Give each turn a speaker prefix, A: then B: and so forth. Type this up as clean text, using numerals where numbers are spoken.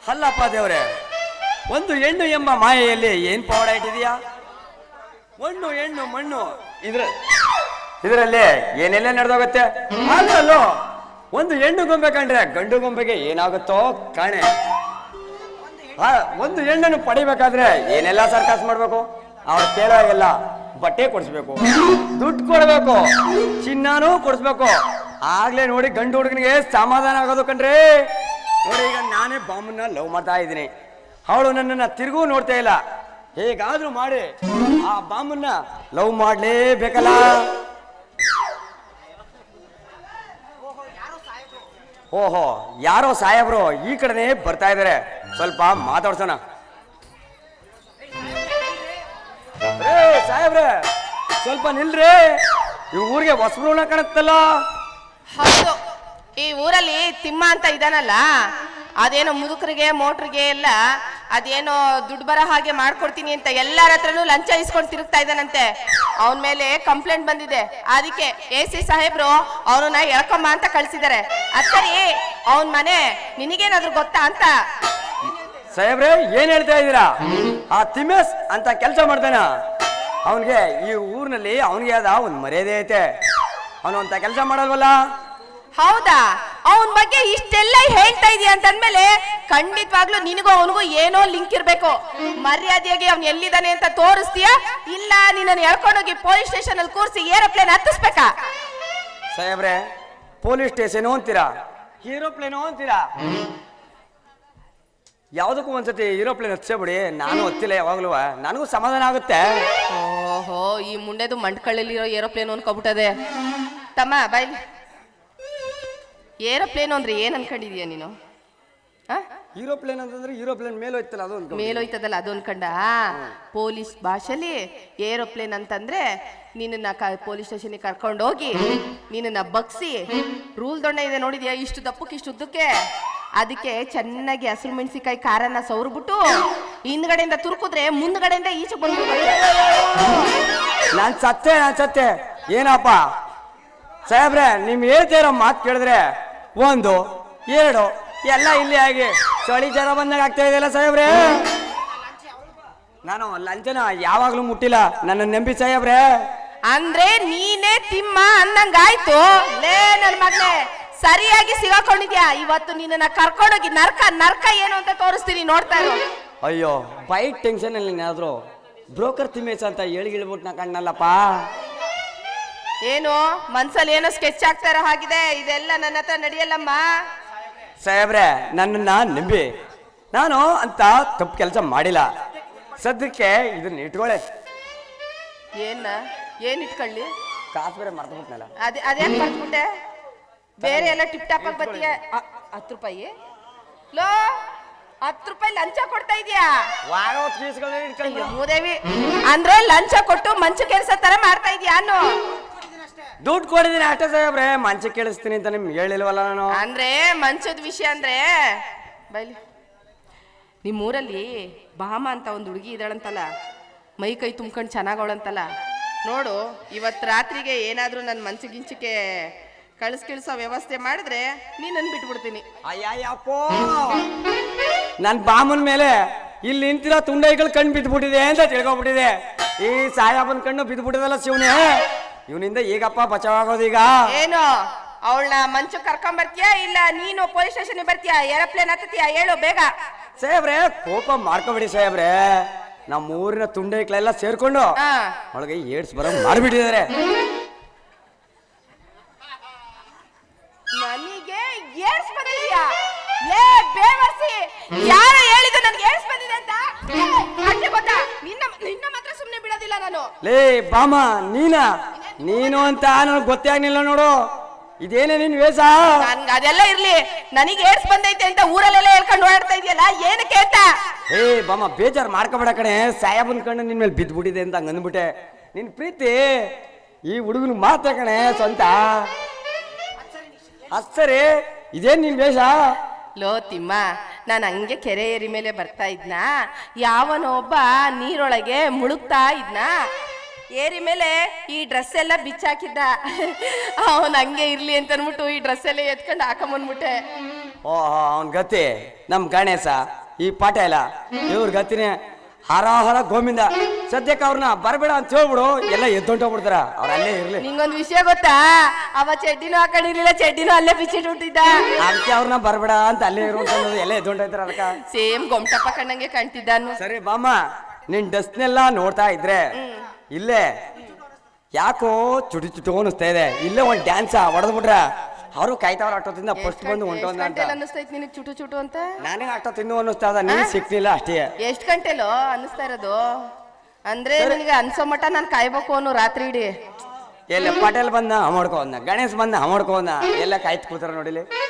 A: ಅಲ್ಲಪ್ಪ ದೇವ್ರೆ, ಒಂದು ಹೆಣ್ಣು ಎಂಬ ಮಾಯೆಯಲ್ಲಿ ಏನ್ ಪವಾಡ ಇಟ್ಟಿದೀಯಾ? ಮಣ್ಣು ಹೆಣ್ಣು ಮಣ್ಣು ಇದರಲ್ಲಿ ಏನೆಲ್ಲ ನಡೆದೋಗುತ್ತೆ. ಅಲ್ಲೋ ಒಂದು ಹೆಣ್ಣು ಗೊಂಬೆ ಕಂಡ್ರೆ ಗಂಡು ಗೊಂಬೆಗೆ ಏನಾಗುತ್ತೋ ಕಾಣೆ. ಒಂದು ಹೆಣ್ಣನ್ನು ಪಡಿಬೇಕಾದ್ರೆ ಏನೆಲ್ಲ ಸರ್ಕಸ್ ಮಾಡ್ಬೇಕು? ಅವ್ರು ಕೇಳೋಗೆಲ್ಲ ಬಟ್ಟೆ ಕೊಡಿಸ್ಬೇಕು, ದುಡ್ಡು ಕೊಡ್ಬೇಕು, ಚಿನ್ನಾನೂ ಕೊಡಿಸ್ಬೇಕು. ಆಗ್ಲೇ ನೋಡಿ ಗಂಡು ಹುಡುಗನಿಗೆ ಸಮಾಧಾನ ಆಗೋದು ಕಣ್ರಿ. ನೋಡಿ ಈಗ ನಾನೇ ಬಾಮನ್ನ ಲವ್ ಮಾಡ್ತಾ ಇದ್ದೀನಿ, ಅವಳು ನನ್ನನ್ನ ತಿರುಗೂ ನೋಡ್ತಾ ಇಲ್ಲ. ಹೇಗಾದ್ರೂ ಮಾಡಿ ಆ ಬಾಮನ್ನ ಲವ್ ಮಾಡ್ಲೇಬೇಕಲ್ಲ. ಓಹೋ, ಯಾರೋ ಸಾಹೇಬ್ರು ಈ ಕಡೆನೇ ಬರ್ತಾ ಇದಾರೆ, ಸ್ವಲ್ಪ ಮಾತಾಡ್ಸೋಣ. ಸಾಹೇಬ್ರೆ ಸ್ವಲ್ಪ ನಿಲ್ರಿ, ಈ ಊರಿಗೆ ಹೊಸಬ್ರು ಕಾಣುತ್ತಲ್ಲ.
B: ಹೌದು, ಈ ಊರಲ್ಲಿ ತಿಮ್ಮ ಅಂತ ಇದಾನಲ್ಲ, ಅದೇನೋ ಮುದುಕರಿಗೆ ಮೋಟ್ರಿಗೆ ಎಲ್ಲ ಅದೇನೋ ದುಡ್ಡು ಬರೋ ಹಾಗೆ ಮಾಡ್ಕೊಡ್ತೀನಿ ಅಂತ ಎಲ್ಲರ ಹತ್ರನೂ ಲಂಚ ಇಸ್ಕೊಂಡು ತಿರುಗ್ತಾ ಇದ್ದಾನಂತೆ. ಅವನ ಮೇಲೆ ಕಂಪ್ಲೇಂಟ್ ಬಂದಿದೆ. ಅದಕ್ಕೆ AC ಸಾಹೇಬ್ರು ಅವನನ್ನ ಎಳ್ಕೊಂಬ ಅಂತ ಕಳ್ಸಿದ್ದಾರೆ. ಅತ್ತರಿ ಅವನ ಮನೆ ನಿನಗೇನಾದ್ರೂ ಗೊತ್ತಾ ಅಂತ.
A: ಸಾಹೇಬ್ರೆ ಏನ್ ಹೇಳ್ತಾ ಇದ್ದೀರಾ? ಆ ತಿಮ್ಮೇಶ್ ಅಂತ ಕೆಲಸ ಮಾಡ್ತಾನ. ಅವನ್ಗೆ ಈ ಊರಿನಲ್ಲಿ ಅವನಿಗೆ ಆದ ಒಂದ್ ಮರ್ಯಾದೆ ಐತೆ, ಅವನು ಅಂತ ಕೆಲಸ ಮಾಡಲ್ವಲ್ಲ.
B: ಹೌದಾ? ಅವನ ಬಗ್ಗೆ ಇಷ್ಟೆಲ್ಲ ಹೇಳ್ತಾ ಇದೀಯ ಅಂತಂದ್ಮೇಲೆ ಖಂಡಿತವಾಗ್ಲೂ ನಿನಗೂ ಅವನಿಗೂ ಏನೋ ಲಿಂಕ್ ಇರ್ಬೇಕು. ಮರ್ಯಾದೆಯಾಗಿ ಅವ್ನು ಎಲ್ಲಿದ್ದಾನೆ ಅಂತ ತೋರಿಸ್ತೀಯಾ, ಇಲ್ಲ ನಿನ್ನನ್ನು ಎಳ್ಕೊಂಡೋಗಿ ಪೊಲೀಸ್ ಸ್ಟೇಷನ್ ಅಲ್ಲಿ ಕೂರಿಸಿ ಏರೋಪ್ಲೇನ್ ಹತ್ತಿಸ್ಬೇಕಾ?
A: ಸಾಹೇಬ್ರೆ ಪೊಲೀಸ್ ಸ್ಟೇಷನ್ ಅಂತೀರಾ, ಏರೋಪ್ಲೇನು ಅಂತೀರಾ? ಯಾವ್ದಕ್ಕೂ ಒಂದ್ಸತಿ ಏರೋಪ್ಲೇನ್ ಹತ್ಸೇಬಿಡಿ, ನಾನು ಹತ್ತಿಲ್ಲ ಯಾವಾಗ್ಲೂ, ನನಗೂ ಸಮಾಧಾನ ಆಗುತ್ತೆ.
B: ಓಹೋ, ಈ ಮುಂಡೆದು ಮಂಡ್ಕಳ್ಳಲ್ಲಿರೋ ಏರೋಪ್ಲೇನ್ ಅನ್ಕೊಬಿಟ್ಟದೆ. ತಮ್ಮ ಬಾಯ್, ಏರೋಪ್ಲೇನ್ ಅಂದ್ರೆ ಏನ್ ಅನ್ಕೊಂಡಿದೀಯ ನೀನು?
A: ಏರೋಪ್ಲೇನ್ ಅಂತಂದ್ರೆ ಏರೋಪ್ಲೇನ್ ಮೇಲೋಯ್ತಲ್ಲ, ಅದು
B: ಮೇಲೋಯ್ತದಲ್ಲ ಅದು ಅನ್ಕೊಂಡ. ಪೊಲೀಸ್ ಭಾಷೆಲಿ ಏರೋಪ್ಲೇನ್ ಅಂತಂದ್ರೆ ನಿನ್ನ ಪೊಲೀಸ್ ಸ್ಟೇಷನ್ಗೆ ಕರ್ಕೊಂಡು ಹೋಗಿ ನಿನ್ನ ಬಗ್ಸಿ, ರೂಲ್ ದೊಣ್ಣೆ ಇದೆ ನೋಡಿದ್ಯಾ, ಇಷ್ಟು ದಪ್ಪಕ್ಕೆ ಇಷ್ಟು ಉದ್ದಕ್ಕೆ, ಅದಕ್ಕೆ ಚೆನ್ನಾಗಿ ಹಸಿರು ಮೆಣಸಿಕಾಯಿ ಖಾರನ ಸವರ್ಬಿಟ್ಟು ಹಿಂದ್ಗಡೆಯಿಂದ ತುರ್ಕುದ್ರೆ ಮುಂದ್ಗಡೆಯಿಂದ ಈಚೆ ಬಂದ್ಬಿಡ್ತಾರೆ.
A: ನಾನ್ ಸತ್ತೆ ಏನಪ್ಪ ಸಾಹೇಬ್ರೆ, ನಿಮ್ ಹೇಳ್ತಾ ಇರೋ ಮಾತು ಕೇಳಿದ್ರೆ 1 2 ಎಲ್ಲ ಇಲ್ಲಿ ಆಗಿ ಚಳಿ ಜನ ಬಂದಾಗ ಆಗ್ತಾ ಇದೆಯಲ್ಲ ಸಾಹೇಬ್ರೆ. ನಾನು ಲಂಚನ ಯಾವಾಗ್ಲೂ ಮುಟ್ಟಿಲ್ಲ, ನನ್ನ ನಂಬಿ ಸಾಹೇಬ್ರೆ.
B: ಅಂದ್ರೆ ನೀನೇ ತಿಮ್ಮ ಅನ್ನಂಗಾಯ್ತು. ಲೇ ನನ್ ಮಗ್ನೆ, ಸರಿಯಾಗಿ ಸಿಗಾಕೊಂಡಿದ್ಯಾ. ಇವತ್ತು ನಿನ್ನ ಕರ್ಕೊಂಡೋಗಿ ನರ್ಕ ಏನು ಅಂತ ತೋರಿಸ್ತೀನಿ, ನೋಡ್ತಾ ಇರು.
A: ಅಯ್ಯೋ, ಬೈಟ್ ಟೆನ್ಷನ್ ಅಲ್ಲಿ ಏನಾದ್ರು ಬ್ರೋಕರ್ ತಿಮ್ಮೇಶ ಅಂತ ಹೇಳಿಬಿಟ್ಟು ನಾ ಕಣ್ಣಲ್ಲಪ್ಪ.
B: ಏನು ಮನ್ಸಲ್ಲಿ ಏನೋ ಸ್ಕೆಚ್ ಆಗ್ತಾ ಇರೋ ಹಾಗಿದೆ, ಇದೆಲ್ಲ ನನ್ನ ಹತ್ರ ನಡೆಯಲ್ಲಮ್ಮ.
A: ಸಾಹೇಬ್ರೆ ನನ್ನನ್ನ ನಂಬಿ, ನಾನು ಅಂತ ತಪ್ಪು ಕೆಲಸ ಮಾಡಿಲ್ಲ. ಸದ್ಯಕ್ಕೆ ಇದನ್ನ ಇಟ್ಕೊಳ್ಳೆ.
B: ಏನ್ ಇಟ್ಕೊಳ್ಳಿ?
A: ಕಾಸು ಬೇರೆ ಮರ್ತಬಿಟ್ನಲ್ಲ.
B: ಅದೇನ್ ಮರ್ತ್ಬಿಟ್ಟೆ? ಬೇರೆ ಎಲ್ಲ ಟಿಪ್ ಟಾಪ್ ಆಗಿ ಬರ್ತೀಯ. 10 ರೂಪಾಯಿ ಲೋ, 10 ರೂಪಾಯಿ ಲಂಚ ಕೊಡ್ತಾ ಇದೀಯಾ? ಮೂದೇವಿ ಅಂದ್ರೆ ಲಂಚ ಕೊಟ್ಟು ಮಂಚ ಕೆಲಸ ತರ ಮಾಡ್ತಾ ಇದೀಯ ಅನ್ನು.
A: ದುಡ್ಡು ಕೊಡಿದೀನಿ ಅಷ್ಟೇ ಸಾಹೇಬ್ರೆ, ಮಂಚ ಕೇಳಿಸ್ತೀನಿ ಅಂತ ನಿಮ್ಗೆ ಹೇಳಿಲ್ವಲ್ಲ ನಾನು.
B: ಅಂದ್ರೆ ಮಂಚದ ವಿಷಯ ಅಂದ್ರೆ ಬೈಲಿ, ನಿಮ್ಮೂರಲ್ಲಿ ಭಾಮ ಅಂತ ಒಂದು ಹುಡುಗಿ ಇದ್ದಾಳಂತಲ್ಲ, ಮೈ ಕೈ ತುಂಬ್ಕೊಂಡು ಚೆನ್ನಾಗವಳಂತಲ್ಲ, ನೋಡು ಇವತ್ತು ರಾತ್ರಿಗೆ ಏನಾದ್ರೂ ನನ್ನ ಮಂಚಗಿಂಚಕ್ಕೆ ಕಳಿಸ್ಕಿಳಿಸೋ ವ್ಯವಸ್ಥೆ ಮಾಡಿದ್ರೆ ನೀನನ್ನು ಬಿಟ್ಬಿಡ್ತೀನಿ.
A: ಅಯ್ಯಪ್ಪೋ, ನನ್ ಬಾಮನ್ ಮೇಲೆ ಇಲ್ಲಿ ನಿಂತಿರೋ ತುಂಡೈಗಳು ಕಣ್ಣು ಬಿದ್ದುಬಿಟ್ಟಿದೆ ಅಂತ ತಿಳ್ಕೊಬಿಟ್ಟಿದೆ. ಈ ಸಾಯಾಬನ್ ಕಣ್ಣು ಬಿದ್ದುಬಿಟ್ಟಿದಲ್ಲ ಶಿವನೇ, ಇವನಿಂದ ಈಗಪ್ಪ ಬಚಾವಾಗೋದು. ಈಗ
B: ಏನು ಅವಳನ್ನ ಮಂಚ ಕರ್ಕೊಂಡ್ ಬರ್ತೀಯಾ, ಇಲ್ಲ ನೀನು ಪೊಲೀಸ್ ಸ್ಟೇಷನ್ ಬರ್ತೀಯಾ, ಏರೋಪ್ಲೇನ್ ಹತ್ತೀಯಾ? ಹೇಳು ಬೇಗ.
A: ಸಾಹೇಬ್ರೆ ಕೋಪ ಮಾಡ್ಕೊಬಿಡಿ ಸಾಹೇಬ್ರೆ, ನಮ್ಮ ಊರಿನ ತುಂಡೈಗಳೆಲ್ಲ ಸೇರ್ಕೊಂಡು ಅವಳಿಗೆ ಏಡ್ಸ್ ಬರೋ ಮಾಡ್ಬಿಟ್ಟಿದ್ದಾರೆ.
B: ನನಗೆ ಏಡ್ಸ್ ಬಂದಿದ್ಯಾ? ಲೇ ಬೇವರ್ಸಿ, ಯಾರು ಹೇಳಿದ್ದು ನನಗೆ ಏಡ್ಸ್ ಬಂದಿದೆ ಅಂತ? ಅಷ್ಟೇ ಗೊತ್ತಾ? ನಿನ್ನ ಮಾತ್ರ ಸುಮ್ಮನೆ ಬಿಡೋದಿಲ್ಲ ನಾನು.
A: ಲೇ ಬಾಮ, ನೀನು ಅಂತ ನನಗೆ ಗೊತ್ತೇ ಆಗ್ಲಿಲ್ಲ ನೋಡು. ಇದೇನೇ ನಿನ್ ವೇಷ?
B: ನನ್ಗೆ ಅದೆಲ್ಲ ಇರ್ಲಿ, ನನಗೆ ಏಡ್ಸ್ ಬಂದೈತೆ ಅಂತ ಊರಲ್ಲೆಲ್ಲ ಹೇಳ್ಕೊಂಡು ಓಡಾಡ್ತಾ ಇದೆಯಲ್ಲ, ಏನಕ್ಕೆ ಅಂತ?
A: ಏ ಬಾಮ, ಬೇಜಾರು ಮಾಡ್ಕೊಬೇಡ ಕಣೆ, ಸಾಯಾಬನ್ ಕಣ್ಣು ನಿನ್ ಮೇಲೆ ಬಿದ್ದುಬಿಟ್ಟಿದೆ ಅಂತ ಹಂಗ ಅಂದ್ಬಿಟ್ಟೆ. ನಿನ್ ಪ್ರೀತಿ ಈ ಹುಡುಗನ ಮಾತ್ರ ಕಣೆ ಸ್ವಂತ. ಅಷ್ಟರಿ, ಇದೇನ್ ನಿನ್ ವೇಷ?
B: ಲೋ ತಿಮ್ಮ, ನಾನು ಹಂಗೆ ಕೆರೆ ಏರಿ ಮೇಲೆ ಬರ್ತಾ ಇದ್ನ, ಯಾವನೊಬ್ಬ ನೀರೊಳಗೆ ಮುಳುಗ್ತಾ ಇದ್ನ, ಏರಿ ಮೇಲೆ ಈ ಡ್ರೆಸ್ ಎಲ್ಲ ಬಿಚ್ಚಾಕಿದ್ದ. ಅವನ್ ಹಂಗೆ ಇರ್ಲಿ ಅಂತ ಅನ್ಬಿಟ್ಟು ಈ ಡ್ರೆಸ್ ಎಲ್ಲ ಎತ್ಕೊಂಡು ಹಾಕೊಂಬಂದ್ಬಿಟ್ಟೆ.
A: ಓಹೋ, ಅವನ್ ಗತಿ ನಮ್ ಗಣೇಶ ಈ ಪಾಠ ಇಲ್ಲ ಇವ್ರ ಗತಿನೇ ಹರ ಗೋವಿಂದ. ಸದ್ಯಕ್ಕೆ ಅವ್ರನ್ನ ಬರಬೇಡ ಅಂತ ಹೇಳ್ಬಿಡು, ಎಲ್ಲ ಎದ್ದೊಂಟೋಗ್ಬಿಡ್ತಾರ, ಅವ್ರ ಅಲ್ಲೇ ಇರ್ಲಿ.
B: ನಿಂಗೊಂದ್ ವಿಷಯ ಗೊತ್ತಾ, ಅವ ಚಡ್ಡಿನೂ ಹಾಕೊಂಡಿರ್ಲಿಲ್ಲ, ಚಡ್ಡಿನೂ ಅಲ್ಲೇ ಬಿಚ್ಚಿಟ್ಟಿದ್ದ.
A: ಅದಕ್ಕೆ ಅವ್ರನ್ನ ಬರಬೇಡ ಅಂತ ಅಲ್ಲೇ ಇರುವಂತ ಎಲ್ಲ ಎದ್ದೊಂಟೋಯ್ತಾರ. ಅದಕ್ಕ
B: ಸೇಮ್ ಗೊಮ್ಟಪ್ಪ ಕಣ್ಣಂಗೆ ಕಾಣ್ತಿದ್ದಾನು.
A: ಸರಿ ಬಾಮ್ಮ, ನಿನ್ ಡಸ್ಟ್ನೆಲ್ಲ ನೋಡ್ತಾ ಇದ್ರೆ ಇಲ್ಲೇ ಯಾಕೋ ಚುಟು ಅನಿಸ್ತಾ ಇದೆ. ಇಲ್ಲೇ ಒಂದ್ ಡ್ಯಾನ್ಸ್ ಹೊಡೆದ್ಬಿಟ್ರ ಅವರು ಕಾಯ್ತಾವ್ರ ಆಟೋದಿಂದ ಫಸ್ಟ್ ಬಂದು ಹೊಂಟೋಂದ ಅಂತ.
B: ಅನ್ನಿಸ್ತೈತಿ ನಿನಗೆ ಚುಟು ಚುಟು ಅಂತ?
A: ನಾನೇ ಆಟೋ ತಿನ್ನು ಅನ್ನಿಸ್ತಾ ಇದ, ನೀನ್ ಸಿಕ್ತಿಲ್ಲ ಅಷ್ಟೇ.
B: ಎಷ್ಟ್ ಗಂಟೆಲೋ ಅನ್ನಿಸ್ತಾ ಇರೋದು? ಅಂದ್ರೆ ನನಗೆ ಅನ್ಸೋ ಮಟ್ಟ ನಾನು ಕಾಯ್ಬೇಕು ಅನ್ನೋ ರಾತ್ರಿ ಇಡೀ.
A: ಎಲ್ಲ ಪಟೇಲ್ ಬಂದ ಮಾಡ್ಕೋನ, ಗಣೇಶ್ ಬಂದ ಮಾಡ್ಕೋನ, ಎಲ್ಲ ಕಾಯ್ತು ಕೂತಾರ ನೋಡಿಲಿ.